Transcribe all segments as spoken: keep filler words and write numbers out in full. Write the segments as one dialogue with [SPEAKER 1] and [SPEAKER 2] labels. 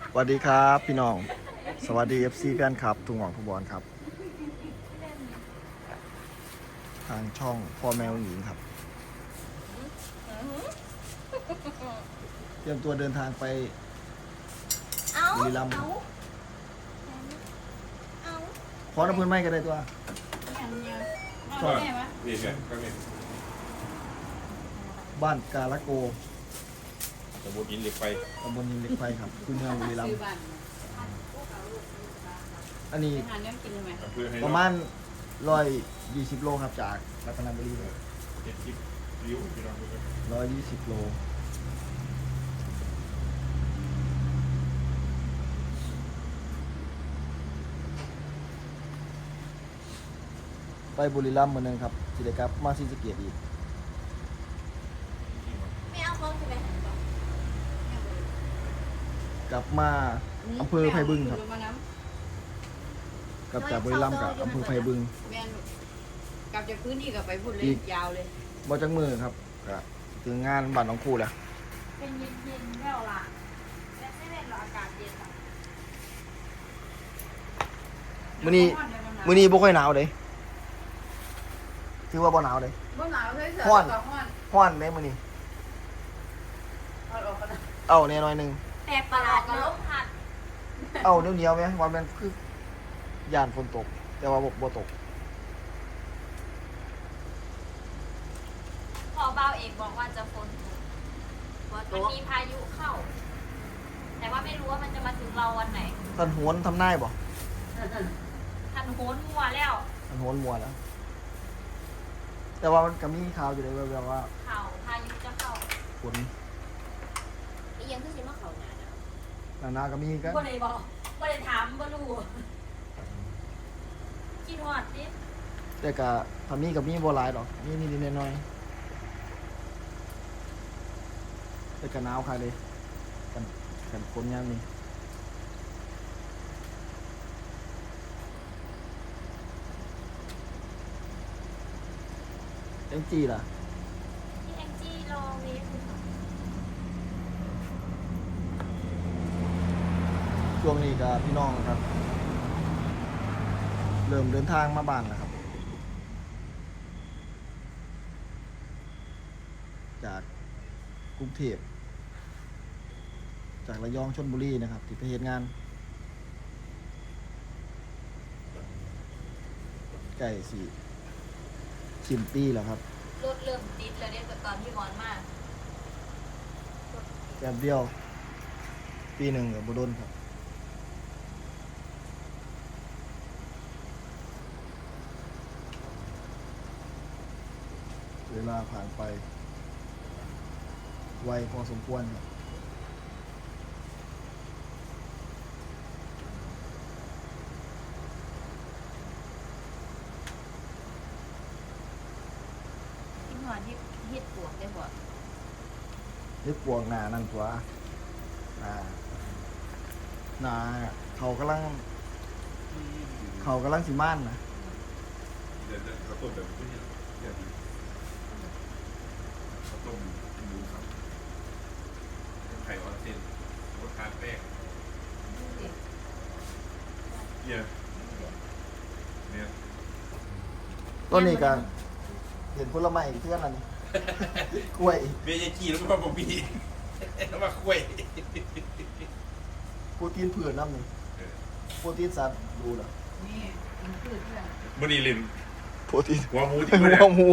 [SPEAKER 1] สวัสดีครับพี่น้องสวัสดี เอฟ ซี แฟนคลับทุกหงอกทุกบอลครับทางช่องพ่อแมวหญิงครับเตรียมตัวเดินทางไปบุรีรัมย์ขอน้ำพื้นไม้กันได้ตัวชอบ
[SPEAKER 2] นี่ไงก็เนี่ย
[SPEAKER 1] บ้านกาลโก
[SPEAKER 2] ตะบนอินเหล็กไฟ
[SPEAKER 1] ตำบลยิมเหล็กไฟครับคุณเมืองบุรีรัมย์อันนี้
[SPEAKER 2] อำเภอให้
[SPEAKER 1] ประมาณร้อยยี่สิบโลครับจากรัตนบุรีเลย
[SPEAKER 2] เจ็ดสิบริ้วพี่น้องดูกัน
[SPEAKER 1] ร้อยยี่สิบโลไปบุรีรัมย์เหมือนเดิมครับสิเดครับมาซีสะเกตอีก
[SPEAKER 3] ไม่เอาเขาใช่ไหม
[SPEAKER 1] กลับมาอำเภอไผ่บึงครับกลับจากบุรีรัมย์กับอำเภอไผ่บึง
[SPEAKER 3] แม่นกลับจากพื้นที่กับไปพูดเลยยาวเลย
[SPEAKER 1] บ่จักมือครับก็ถึงงานบ้านน้องครูแล้ว
[SPEAKER 3] เป็นเย็นๆแล้วล่ะและไม่เป็นหรอกอากาศเย็น
[SPEAKER 1] มื้อนี้มื้อนี้บ่ค่อยหนาวเด้ถือว่าบ่หนาวเด้
[SPEAKER 3] บ่หนาวเลยเสือ
[SPEAKER 1] ฮ้อน
[SPEAKER 3] กับฮ้อน
[SPEAKER 1] ร้อนเด้มื้อนี้
[SPEAKER 3] เอาออกกันนะ
[SPEAKER 1] เอ้าแน่หน่อยหนึง
[SPEAKER 3] แตกประหลาดกับลมพัด
[SPEAKER 1] เอ้าเหนียวๆแม่ว่ามันคือย่านฝนตก แต่ว่าบ่บ่ตก
[SPEAKER 4] พอเบาเอกบอกว่าจะฝนตก
[SPEAKER 3] ว่า
[SPEAKER 4] มัน
[SPEAKER 3] ตัว
[SPEAKER 4] มีพายุเข้า แต่ว่าไม่รู้ว่ามันจะมาถึงเราวันไหน
[SPEAKER 1] ท่านโหนทำนายบ่
[SPEAKER 4] ทันโหนมัวแล้ว
[SPEAKER 1] ท่านโหนมัวแล้ว แต่ว่ามันก็มีข่าวอยู่เลยแบบว่า
[SPEAKER 4] เข่าพายุจะเข้า
[SPEAKER 1] ฝน
[SPEAKER 3] อีหยังคือสิมาเข้าหน้าหนาว
[SPEAKER 1] หนาๆก็มีกัน
[SPEAKER 4] บ่ได้บอกบ่ได้ถามบ่รู้คิดฮอดดิ
[SPEAKER 1] แต่ก็ถ้ามีก็มีบ่หลายดอกมีนิดๆหน่อยๆแต่ก็หนาวค่ะเลยกันกันฝนยามนี้เอ็มจีล่ะ
[SPEAKER 4] ที่แองจี้รอเวฟอยู่ค่ะ
[SPEAKER 1] ช่วงนี้ก็พี่น้องครับ เริ่มเดินทางมาบ้านแล้วครับ จากกรุงเทพจากระยองชลบุรีนะครับ ที่ไปเฮ็ดงานใกล้สี่สิ้นปีแล้วครับ
[SPEAKER 4] รถเริ่มติดแล้วเด้ตอนที่ร้อนมาก
[SPEAKER 1] แป๊บเดียว ปีหนึ่งกับบโดนครับ เวลาผ่านไป ไวพอสมควรครับ
[SPEAKER 4] คิดฮอดที่เฮ็ดปวกได้บ่
[SPEAKER 1] นี่ปวงหนานั่นตัวหนาหนาเขากำลัง เขากำลังสิม่านนะ
[SPEAKER 2] เดี๋ยวเขาต้มแบบนี้เดี๋ยวเขาต้มกินหมูครับไข่ออนเซนรสทานแป้งเนี่ยเนี่ย
[SPEAKER 1] ต้นนี้ก็เห็นผลไม้เพื่อนอันนี้ กล้วย
[SPEAKER 2] เบี้ยกี้แล้วก็บอกพี่แล้วมาคุย
[SPEAKER 1] โปรตีนเผือกน้ำนี่โปรตีนสัตว์ดูเหรอ
[SPEAKER 3] นี่มันคือเพื่อน
[SPEAKER 2] มันนี่ลิน
[SPEAKER 1] โปรตีน
[SPEAKER 2] หัวหมูที่
[SPEAKER 1] หั
[SPEAKER 2] มันเนี่
[SPEAKER 1] วย หมู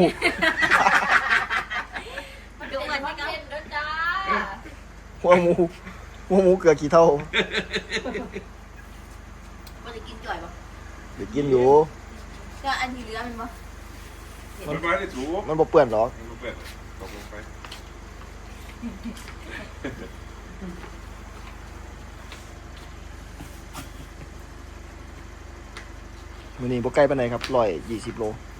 [SPEAKER 4] มันดูเหมือนที่เฮ็ดแล้วจ้า
[SPEAKER 1] หัวหมูหัวหมูเกลือกี่เท่า
[SPEAKER 3] บ่ได้กินจ่อยบ่
[SPEAKER 1] เดี๋ยวกินอยู่
[SPEAKER 3] ก็อันที่เหลือมันบ่
[SPEAKER 2] มันมาได้ถูก
[SPEAKER 1] มันบ่เปื่อนหรอก
[SPEAKER 2] มันเปิดตกลงไป
[SPEAKER 1] มื้อนี้บ่ไกลปานใดครับร้อยยี่สิบโล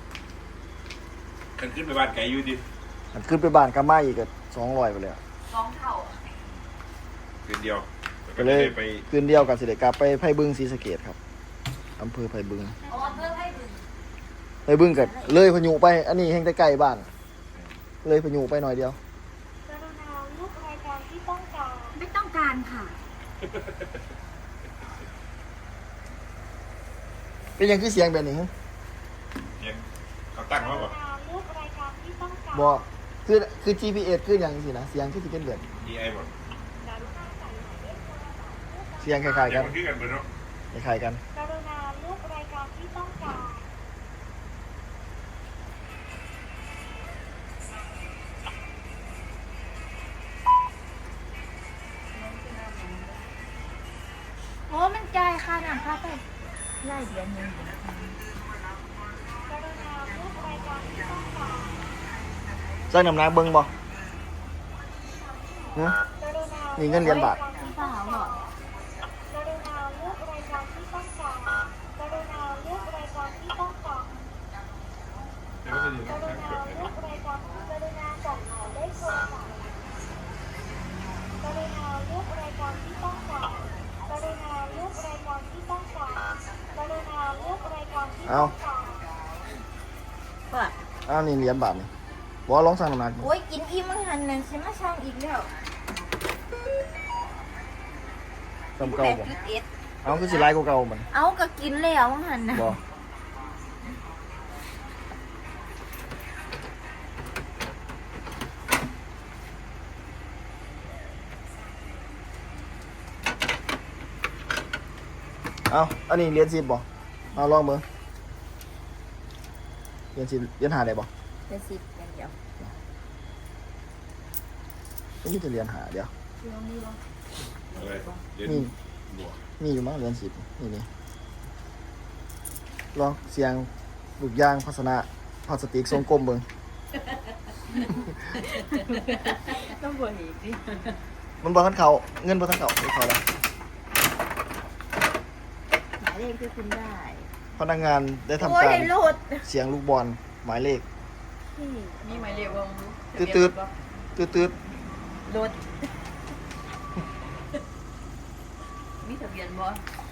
[SPEAKER 2] กันขึ้นไปบ้านไก่อยู่ดิ
[SPEAKER 1] อันขึ้นไปบ้านกามาอีกก็สองร้อยไปเลยอะ
[SPEAKER 4] สองเท่า
[SPEAKER 2] คืนเดียว
[SPEAKER 1] ก็เลย
[SPEAKER 2] ไป
[SPEAKER 1] คืนเดียวกับสิเดกลับไปไผ่บึงศรีสะเกษครับอำเภอไผ่บึง
[SPEAKER 4] อ๋อเพิ่มให้ถึง
[SPEAKER 1] ไผ่บึงก็เลยพายุไป อันนี้แห่งแต่ใกล้บ้าน เลยพายุไปหน่อยเดียว
[SPEAKER 5] กรุณาเลือกรายการที่ต้องการ
[SPEAKER 4] ไม่ต้องการค่ะ
[SPEAKER 1] อเป็นยังคือเสียงแบบนี้
[SPEAKER 2] เสียงเขาตั้งมาบอก
[SPEAKER 3] เลือกรายการที่ต้องการ
[SPEAKER 1] บอกคือคือ จี พี เอส คืออย่างสินะเสียงคือสิเป็นแบบ
[SPEAKER 2] ดีไอบอก
[SPEAKER 1] เสียงคล้ายๆ
[SPEAKER 2] เสีย
[SPEAKER 1] กั
[SPEAKER 2] ง
[SPEAKER 1] น
[SPEAKER 2] มันคือกันเบอร์เนาะ
[SPEAKER 1] คล้ายๆกัน
[SPEAKER 3] กรุณาเลือกรายการที่ต้องการ
[SPEAKER 4] โอ้มันจ่ายค่าน้ำค่าไฟไล่เดือนหนึง
[SPEAKER 3] กรุณาเลือกรายการที่ต้องการ
[SPEAKER 1] สร้างน้ำหนักเบิ่งบ่ฮะ
[SPEAKER 3] กรุณา
[SPEAKER 1] นี่เงินเหรียญบาท
[SPEAKER 4] พี่สาวเหรอก
[SPEAKER 3] รุณาเลือกรายการที่ต้องการกรุณาเลือกรายการที่ต้องการ
[SPEAKER 2] แต่ว่าจะดี
[SPEAKER 3] ก
[SPEAKER 2] นะ
[SPEAKER 3] รุณาเลือกรายการกรุณาบอกหมายเลขโทรศัพท์กรุณาเลือกรายการที่ต้องการกรุณาเลือกรายการที่ต้องการกรุณาเลือกรายการที่ต้องการ
[SPEAKER 4] ว่า
[SPEAKER 1] อ้าวนี่เหรียญบาทนี่บ่ลองสร้างน้ำหนักดู
[SPEAKER 4] โอ้ยกินอิ่มมันหันนั่นสิมาช่างอีกแล้ว
[SPEAKER 1] จำเก่าบ่
[SPEAKER 4] จุดเอ็ด
[SPEAKER 1] เอาคือสิหลายกว่าเก่ามัน
[SPEAKER 4] เอาก็กินแล้วมันหันนะ
[SPEAKER 1] บ่เอาอันนี้เหรียญสิบบ่เอาลองเบิ่งเหรียญสิบเหรียญห้าได้บ่
[SPEAKER 4] เป็นสิบอย่างเดียว
[SPEAKER 1] ก็มีแต่เหรียญห้าเดี๋ยว
[SPEAKER 4] ลองนี่ลอง
[SPEAKER 2] อะไรเรียน
[SPEAKER 1] นี่
[SPEAKER 2] บวก
[SPEAKER 1] มีอยู่มั้งเหรียญสิบนี่นี่ลองเสียงลูกยางพัสนะพลาสติกทรงกลมเบิ่ง
[SPEAKER 4] ต้องบวกอีกดิ
[SPEAKER 1] มันบ่ทันเข้าเงินบ่ทันเข้าไม่เข้าแล้ว
[SPEAKER 4] หมายเลขที่คุณได้
[SPEAKER 1] พนักงานได้ทำ
[SPEAKER 4] โอ้ย
[SPEAKER 1] การ
[SPEAKER 4] ได้โหลด
[SPEAKER 1] เสียงลูกบอลหมายเลข
[SPEAKER 4] นี่
[SPEAKER 5] นี่หมายเลขว่า
[SPEAKER 1] ตืดตืดตืดตืด
[SPEAKER 5] รถมีทะเบียนบ่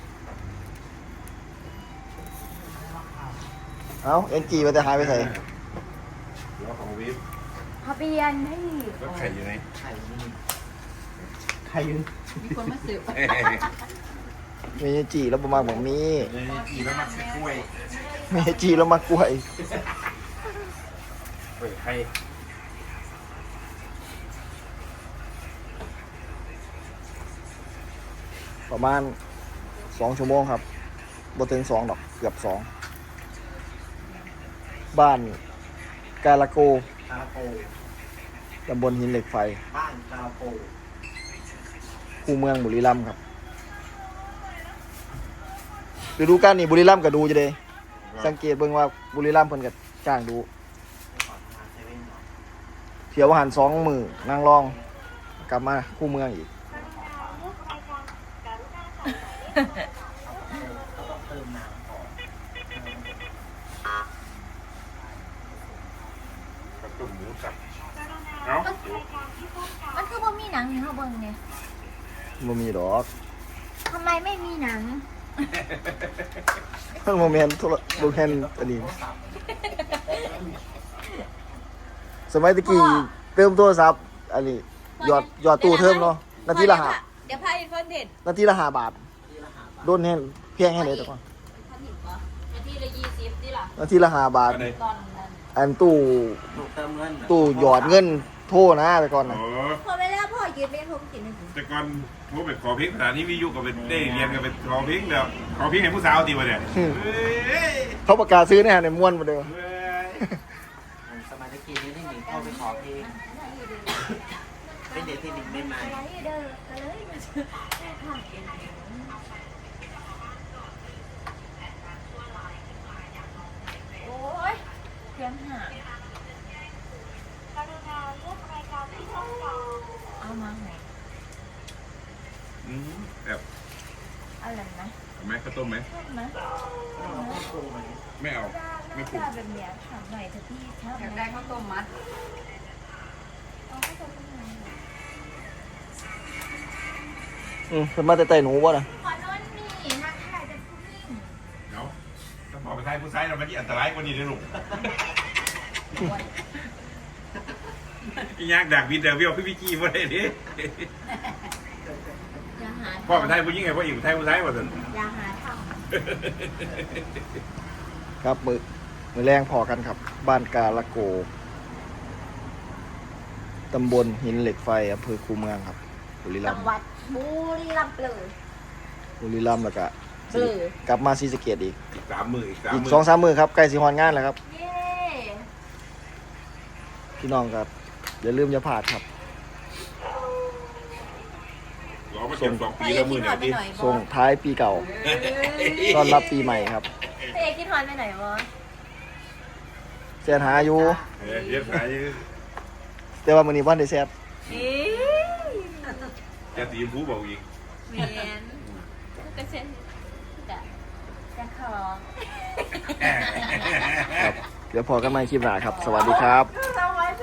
[SPEAKER 1] เอ้าเอ็นจีไปแต่หายไปใส่
[SPEAKER 2] หรือว่าของวิฟ
[SPEAKER 4] ทะเบียนให้
[SPEAKER 2] รถไข่อยู่ไหน
[SPEAKER 1] ใครยืน
[SPEAKER 5] มีคนมาสืบ
[SPEAKER 2] เอ้ย
[SPEAKER 1] มีเอ็นจีแล้วประมาณบอกมี
[SPEAKER 2] อีแล้วมาใส่กล้วย
[SPEAKER 1] มีเอ็นจีแล้วมากล้วย
[SPEAKER 2] เปิดไข่
[SPEAKER 1] ประมาณสองชั่วโมงครับบ่ถึงสองดอกเกือบสองบ้านกาลาโก
[SPEAKER 6] กาลาโป
[SPEAKER 1] ตำบลหินเหล็กไฟ
[SPEAKER 6] บ้านกาลาโป
[SPEAKER 1] คูเมืองบุรีรัมย์ครับฤดูกาลนี้บุรีรัมย์ก็ดูจะเด้สังเกตเบิ่งว่าบุรีรัมย์เพิ่นก็จ้างดู
[SPEAKER 6] ก่อนมาเซเว่นก่อน
[SPEAKER 1] เที่ยวอาหารสองมื้อนางรอง กลับมาคูเมืองอีก
[SPEAKER 3] กรุณาเลือกรายการกรุณาใส่หมายเลขโทรศัพท์
[SPEAKER 6] ก็ต้องเติมน้ำก่อน
[SPEAKER 2] กระตุ่มหมูสับ
[SPEAKER 3] กรุณา
[SPEAKER 2] เอ้า
[SPEAKER 3] เลือกรายการที่ต้องการ
[SPEAKER 4] มันคือบ่มีหนังให้เฮาเบิ่งเนี่ย
[SPEAKER 1] บ่มีดอก
[SPEAKER 4] ทำไมไม่มีหนัง
[SPEAKER 1] มันบ่แม่นโทรบ่แม่นอันนี้สมัยตะกี้เติมโทรศัพท์อันนี้ยอดยอดตู้เทิมเนาะนาทีละห้า
[SPEAKER 5] เดี๋ยวพาอีกคนเด็ด
[SPEAKER 1] นาทีละห้าบาทโดนแห้งเพียงแห้งเลยแต่ก่อน
[SPEAKER 5] ท่านเห็นปะนาทีละยี่สิบนี่ล่ะ
[SPEAKER 1] นาทีละห้าบาท
[SPEAKER 2] อันไหน
[SPEAKER 5] ตอนนั้น
[SPEAKER 1] อันตู้
[SPEAKER 6] ลูกเติมเงิน
[SPEAKER 1] ตู้หยอดเงินโทรนะแต่ก่อน
[SPEAKER 2] โอ้
[SPEAKER 1] นะ
[SPEAKER 4] พอเวลาพ่อยืนไปผมกินให้ผม
[SPEAKER 2] แต่ก่อนโทรไปขอเพลงสถานีวิทยุกับเป็นได้เรียนกับเป็นขอเพลงแล้วขอเพลงให้ผู้สาวตีมาเนี่ยเฮ้ย
[SPEAKER 1] เขาประกาศซื้อเนี่ยในม้วนมาเดียว
[SPEAKER 2] เฮ้ย
[SPEAKER 6] สมัยตะกี้นี่ที่หนิงเข้าไปขอเพลงเป็นเด็กที่หนิงไม่มา
[SPEAKER 4] อะไรเด้อก็เลยมาซื้อข้าวกินโอ้ยเพียงหาก
[SPEAKER 3] รุณาเลือกรายการที่ต้องการ
[SPEAKER 4] เอามาไหน
[SPEAKER 2] อืมแบบ
[SPEAKER 4] อะไรนะ
[SPEAKER 2] เอาไหมข้าวต้มไหม
[SPEAKER 4] ชอบไหม
[SPEAKER 2] ไม่เอา ไม่ปรุง
[SPEAKER 4] ถ้าแบบเนี้ยถามหน่อยเถอะพี่ชอบ
[SPEAKER 5] อยาก
[SPEAKER 4] ไหม
[SPEAKER 5] ได้ข้าวต้มมัด
[SPEAKER 4] เอาข้าวต้มยังไง
[SPEAKER 1] อืมเป็นมาแต่ไต่หนูบ่นะ
[SPEAKER 4] ขอนอนนี่ทักทายจะพูดนิ่ง
[SPEAKER 2] เนาะถ้าพอไปทายผู้ชายเรามันยิ่งอันตรายกว่านี้เลยลูกอียากดักวินเดอร์วิวพี่พี่กี้มาได้ดิ
[SPEAKER 4] อย่าหาท
[SPEAKER 2] พ่อเป็นไทยผู้หญิงไงพ่ออีกเป็นไทยผู้ชายหมดเลย
[SPEAKER 4] อย่าหาท
[SPEAKER 1] ครับมือมือแรงพอกันครับ บ้านกาละโกตำบลหินเหล็กไฟอำเภอคูเมืองครับบุรี
[SPEAKER 4] ำ
[SPEAKER 1] รั
[SPEAKER 4] จั
[SPEAKER 1] ม
[SPEAKER 4] ง
[SPEAKER 1] ย์
[SPEAKER 4] หวัดบุรีรัมย์เลย
[SPEAKER 1] บุรีรัมย์แล้วก็
[SPEAKER 4] เออ
[SPEAKER 1] กลับมาศรีสะเกษอีก
[SPEAKER 2] อีกสามมืออีกสาม
[SPEAKER 1] อีก
[SPEAKER 2] มื
[SPEAKER 1] สองสามมือครับใกล้สิฮอนงานแล้วครับ
[SPEAKER 4] เย้
[SPEAKER 1] พี่น้องครับอย่าลืมอย่าพลาดครับ
[SPEAKER 2] รอมาเจ็บสองปีแล้วมือเนี่ยที่
[SPEAKER 1] ส่งท้ายปีเก่าต้อนรับปีใหม่ครับ
[SPEAKER 4] พี่เอกคิดฮอนไปไหนวะ
[SPEAKER 1] แซนหาอยู่
[SPEAKER 2] เออเย็บสาย
[SPEAKER 1] แต่ว่ามื้อนี้บ่ได้แซ่บ
[SPEAKER 4] เอ๊ะ
[SPEAKER 2] จะตีมผู้บอกอีก
[SPEAKER 5] เมียนก็เช่นจะ
[SPEAKER 4] จะขอ
[SPEAKER 1] ครับเดี๋ยวพอกันใหม่คลิปหน้าครับ สวัสดีครับ
[SPEAKER 4] ส